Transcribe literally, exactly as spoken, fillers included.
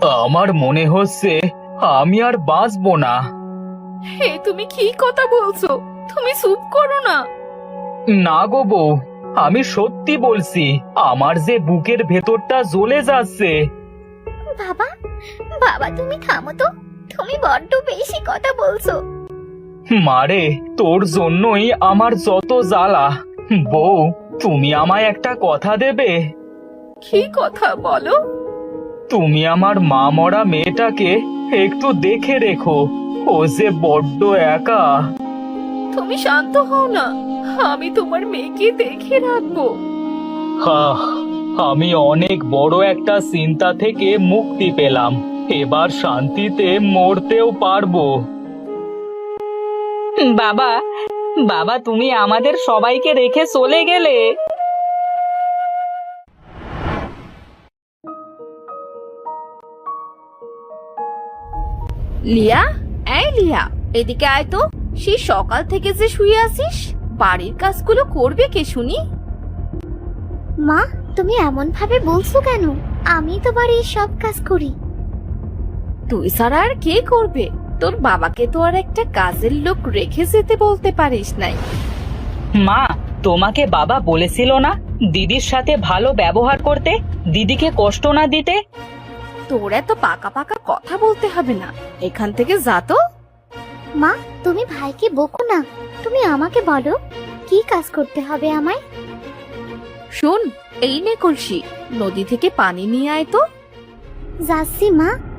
আমার মনে হচ্ছে আমি আর বাঁচবো না। হে, তুমি কি কথা বলছো? তুমি চুপ করো না। না গো বউ, আমি সত্যি বলছি, আমার যে বুকের ভেতরটা জ্বলে যাচ্ছে। বাবা, বাবা তুমি থামো তো, তুমি বড্ড বেশি কথা বলছো। মারে, তোর জন্যই আমার যত জ্বালা। বউ, তুমি আমায় একটা কথা দেবে? কি কথা বলো? তুমি আমার মা মরা মেয়েটাকে একটু দেখে রেখো, ও যে বড্ড একা। তুমি শান্ত হও না, আমি তোমার মেয়েকে দেখে রাখবো। আহ, আমি অনেক বড় একটা চিন্তা থেকে মুক্তি পেলাম, এবার শান্তিতে মরতেও পারবো। বাবা, বাবা তুমি আমাদের সবাইকে রেখে চলে গেলে। লিয়া, এই লিয়া, এদিকে আয় তো। সেই সকাল থেকে যে শুয়ে আছিস, বাড়ির কাজগুলো করবে কে শুনি? মা, তুমি এমন ভাবে বলছো কেন? আমি তো বাড়ির সব কাজ করি। তুই ছাড়া আর কে করবে? তোর বাবাকে তো আর একটা কাজের লোক রেখে যেতে বলতে পারিস নাই। মা, তোমাকে বাবা বলেছিল না দিদির সাথে ভালো ব্যবহার করতে, দিদিকে কষ্ট না দিতে? তোর এত পাকা পাকা কথা বলতে হবে না, এখান থেকে যা তো। মা, তুমি ভাইকে বকো না, তুমি আমাকে বলো কি কাজ করতে হবে আমায়। শোন, এই নে কলসি, নদী থেকে পানি নিয়ে আয় তো। যাচ্ছি মা।